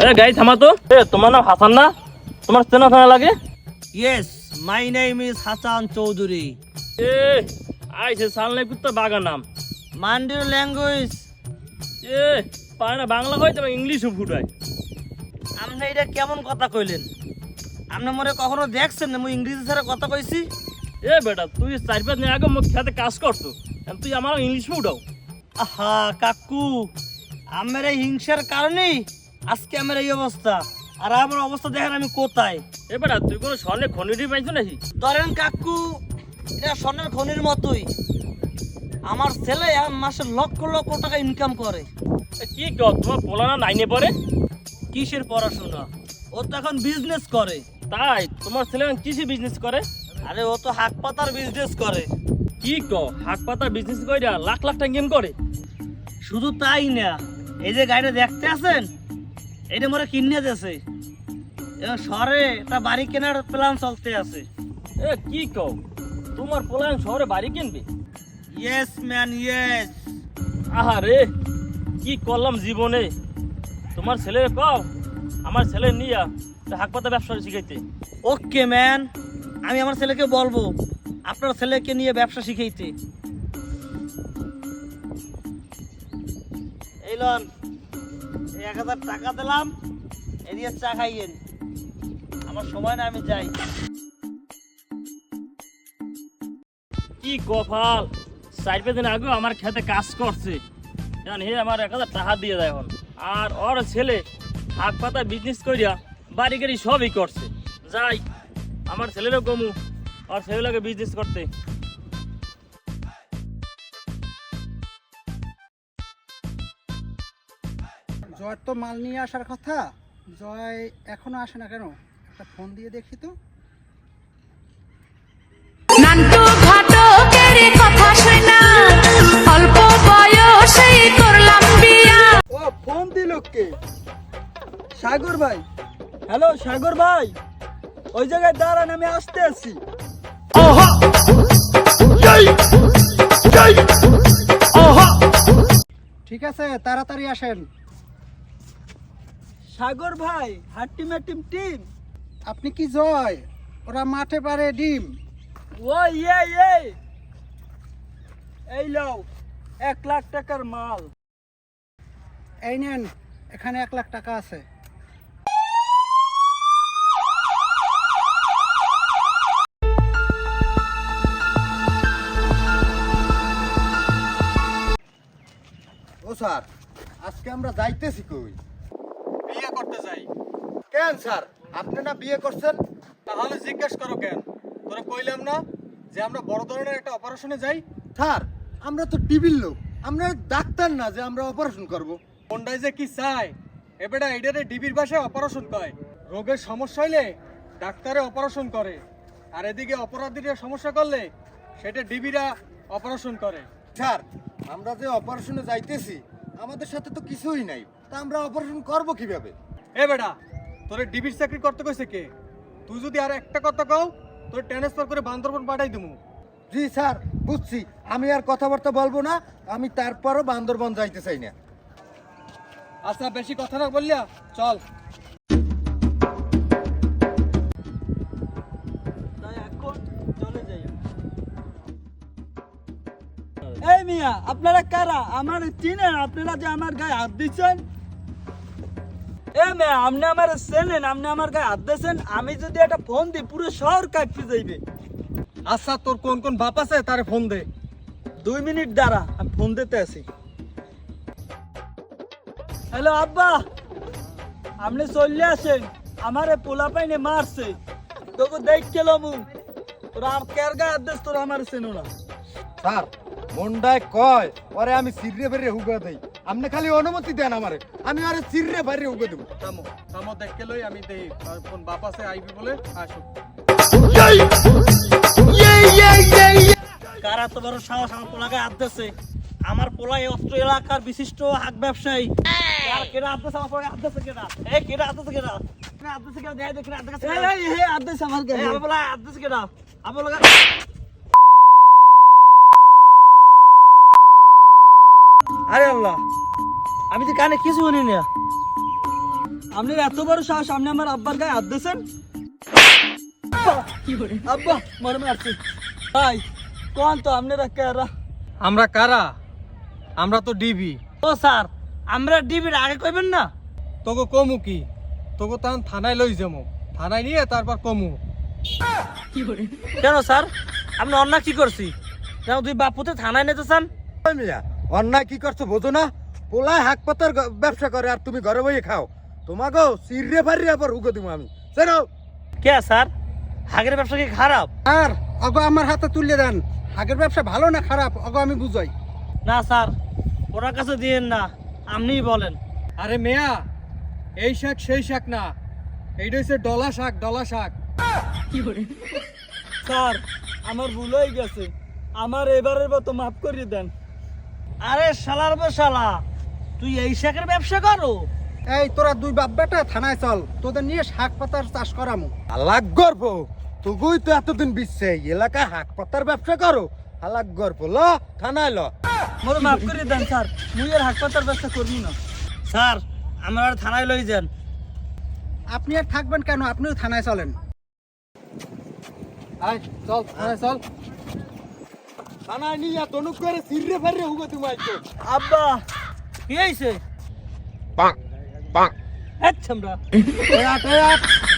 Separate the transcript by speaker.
Speaker 1: গাড়ি থামা তো। তোমার নাম হাসান না? তোমার চেনা চেনা লাগে।
Speaker 2: Yes, my name is Hassan Chowdhury.
Speaker 1: আইসে সালনে কুত্তা বাগা নাম।
Speaker 2: Mind your language.
Speaker 1: পারে না বাংলা হয় তবে ইংলিশও ফুটায়।
Speaker 2: আপনি এটা কেমন কথা কইলেন? আপনি মনে কখনো দেখছেন না মুই ইংরেজি ছাড়া কথা কইছি?
Speaker 1: বেটা তুই 4-5 দিন আগে মুখ খেতে কাজ করছো, তুই আমার ইংলিশ ফুটাও।
Speaker 2: আহা কাকু, আমার এই হিংসার কারণেই আজকে আমার এই অবস্থা। আর আমার অবস্থা দেখেন আমি কোথায়।
Speaker 1: বেটা তুই কোনো স্বর্ণে খনিটি পাইছো নাকি?
Speaker 2: ধরেন কাকু, এটা স্বর্ণের খনির মতোই। আমার ছেলে মাসে লক্ষ লক্ষ টাকা ইনকাম করে।
Speaker 1: কি কর, তোমার পোলানা নাইনে পড়ে?
Speaker 2: কিসের পড়াশোনা? ও তো এখন বিজনেস করে।
Speaker 1: তাই তোমার ছেলে কিসে বিজনেস করে?
Speaker 2: আরে ও তো হাক পাতার বিজনেস করে।
Speaker 1: কি কর, হাক পাতা বিজনেস কইরা লাখ লাখ টাকা ইনকাম করে?
Speaker 2: শুধু তাই না, এই যে গাড়িটা দেখতে আছেন, এটা মোরে কিনে দিয়েছে। এবং শহরে একটা বাড়ি কেনার প্ল্যান চলতে আছে।
Speaker 1: কি কর, তোমার পোলান শহরে বাড়ি কিনবে?
Speaker 2: Yes man yes.
Speaker 1: আহারে কি করলাম জীবনে। তোমার ছেলের কও আমার ছেলে নিয়া হাক পাতা ব্যবসা শিখাইতে।
Speaker 2: ওকে ম্যান, আমি আমার ছেলেকে বলবো আপনার ছেলেকে নিয়ে ব্যবসা শিখাইতে। এই লন, 1000 টাকা দিলাম, এদিকে চা খাইয়েন। আমার সময় না, আমি যাই।
Speaker 1: কি কপাল, 4-5 দিন আগে আমার খেতে কাজ করছে, হে আমার 1000 টাকা দিয়ে দেয় এখন। আর ওর ছেলে হাক পাতা বিজনেস করিয়া বাড়ি গাড়ি সবই করছে। যাই আমার ছেলেরও কমু, আর ছেলেকে বিজনেস করতে।
Speaker 3: জয় তো মাল নিয়ে আসার কথা, জয় এখনো আসে না কেন? একটা ফোন দিয়ে দেখি তো।
Speaker 4: নান্টু ঘটকের কথা শুনা অল্প বয়সেই করলাম বিয়া।
Speaker 3: ও ফোন দিল কে? সাগর ভাই। হ্যালো সাগর ভাই, ওই জায়গায় দাঁড়ান, আমি আসতে আছি। ঠিক আছে, তাড়াতাড়ি আসেন। সাগর ভাই, হাট টিমের টিম। আপনি কি জয়? ওরা মাঠে পারে ডিম।
Speaker 2: ও ইয়ে, এই লও 1 লাখ টাকার মাল।
Speaker 3: এই নেন, এখানে 1 লাখ টাকা আছে।
Speaker 5: ও স্যার, আজকে আমরা যাইতেছি কই?
Speaker 2: বিয়ে করতে যাই।
Speaker 5: কেন স্যার, আপনি না বিয়ে করছেন?
Speaker 2: তাহলে জিজ্ঞেস করো কেন? তোরা কইলাম না যে আমরা বড় ধরনের একটা অপারেশনে যাই?
Speaker 5: স্যার, আমরা তো টিভির লোক, আমরা ডাক্তার না যে আমরা অপারেশন করব।
Speaker 2: কোনটাই যে কি চাই, এবারে এইটারে ডিবির ভাষায় অপারেশন কয়। রোগের সমস্যা হইলে ডাক্তারে অপারেশন করে, আর এদিকে অপরাধীরা সমস্যা করলে সেটা ডিবিরা অপারেশন করে।
Speaker 5: স্যার, আমরা যে অপারেশনে যাইতেছি আমাদের সাথে তো কিছুই নাই, তা আমরা অপারেশন করব কিভাবে?
Speaker 2: এ বেটা, তোরে ডিবির চাকরি করতে কইছে কে? তুই যদি আর একটা কথা কও, তোর ট্রান্সফার করে বান্দরবন পাঠাই দিমু।
Speaker 5: জি স্যার, বুঝছি, আমি আর কথাবার্তা বলবো না, আমি তারপরও বান্দরবন যাইতে চাই না।
Speaker 2: আচ্ছা, বেশি কথা না বললিয়া চল।
Speaker 3: এই মিয়া, আপনারা কারা? আমার চিনেন? আপনারা যে আমার গায়ে হাত দিচ্ছেন? মিয়া, আপনি আমার চেনেন? আপনি আমার গায়ে হাত দিয়েছেন? আমি যদি একটা ফোন দিই পুরো শহর কাটতে যাইবে।
Speaker 2: আচ্ছা, তোর কোন কোন বাপ আছে তারে ফোন দে।
Speaker 3: 2 মিনিট দাঁড়া, আমি ফোন দিতে আছি। হ্যালো আব্বা, আপনি চলে আসেন, আমারে পোলা পাইনে মারছে, তোকে দেখ কেলমু। তোরা আর কের গায়ে হাত দিস? তোরা আমার চেনো না।
Speaker 5: স্যার, মন্ডায় কয় ওরে আমি সিররে বাইরে হুগা দেই, আপনি খালি অনুমতি দেন আমারে, আমি আরে সিররে বাইরে হুগা দেব।
Speaker 2: থামো থামো, দেখে লই, আমি দেই কোন বাপ আছে আইবি বলে আসো।
Speaker 3: কারা তো বড় সাহস আমার পোলাকে হাত দিচ্ছে? আমার পোলা এই অস্ত্র এলাকার বিশিষ্ট হাক ব্যবসায়ী। আর কেডা হাত দিচ্ছে আমার পোলাকে? হাত দিচ্ছে কেডা? এই কেডা হাত দিচ্ছে কেডা? হাত দিচ্ছে কেডা? দেখাই দে কেডা হাত দিচ্ছে। এই হাত দিচ্ছে আমার গায়ে। আমার পোলা হাত দিচ্ছে কেডা? আমার পোলা। আরে আল্লাহ, আমি তো কানে কিছু শুনি না। আপনার এত বড় সাহস, আপনি আমার আব্বার গায়ে হাত দিয়েছেন? আব্বা মরে মারছে। ভাই কোন তো আপনারা কারা?
Speaker 2: আমরা কারা? আমরা তো ডিবি।
Speaker 3: ও স্যার, আমরা ডিবির আগে কইবেন না?
Speaker 2: তোকে কমু কি? তোকে তখন থানায় লই যাবো, থানায় নিয়ে তারপর কমু।
Speaker 3: কেন স্যার, আপনি অন্যায় কি করছি? যেন তুই বাপুতে থানায় নিতে চান?
Speaker 5: ওই মিয়া অন্যায় কি করছো বোঝো না? পোলায় হাক পাতার ব্যবসা করে আর তুমি ঘরে বইয়ে খাও। তোমাকে সিররে ফারিয়ে আবার হুগো দিব আমি, জানো?
Speaker 3: কে স্যার, হাগের ব্যবসা কি খারাপ?
Speaker 2: আর অগো আমার হাতে তুলে দেন, আগের ব্যবসা ভালো না খারাপ অগো আমি বুঝাই।
Speaker 3: না স্যার, ওনার কাছে দিয়েন না, আপনিই বলেন।
Speaker 2: আরে মেয়া, এই শাক সেই শাক না, এইটা হচ্ছে ডলা শাক, ডলা শাক।
Speaker 3: স্যার আমার ভুল হয়ে গেছে, আমার এবারের মতো মাফ করিয়ে দেন। আরে শালার শালা, তুই এই শাকের ব্যবসা করো?
Speaker 2: এই তোরা দুই বাপ বেটা থানায় চল, তোদের নিয়ে শাক পাতার চাষ করামু।
Speaker 5: আলাক গর্ব তুগুই তো এতদিন বিশ্বে এলাকায় হাক পাতার ব্যবসা করো। আলাক গর্ব ল থানায় ল।
Speaker 3: মোরে মাফ করিয়ে দেন স্যার, মুই আর হাসপাতাল ব্যবসা করবি না। স্যার আমার আর থানায় লই যান।
Speaker 2: আপনি আর থাকবেন কেন, আপনিও থানায় চলেন। আয় চল থানায় চল।
Speaker 5: থানায় নিয়ে তনুক করে সিররে ফারিয়ে হুগো তুমি আইছো।
Speaker 3: আব্বা কি হয়েছে?
Speaker 5: পাক পাক
Speaker 3: আচ্ছা আমরা
Speaker 5: এ আট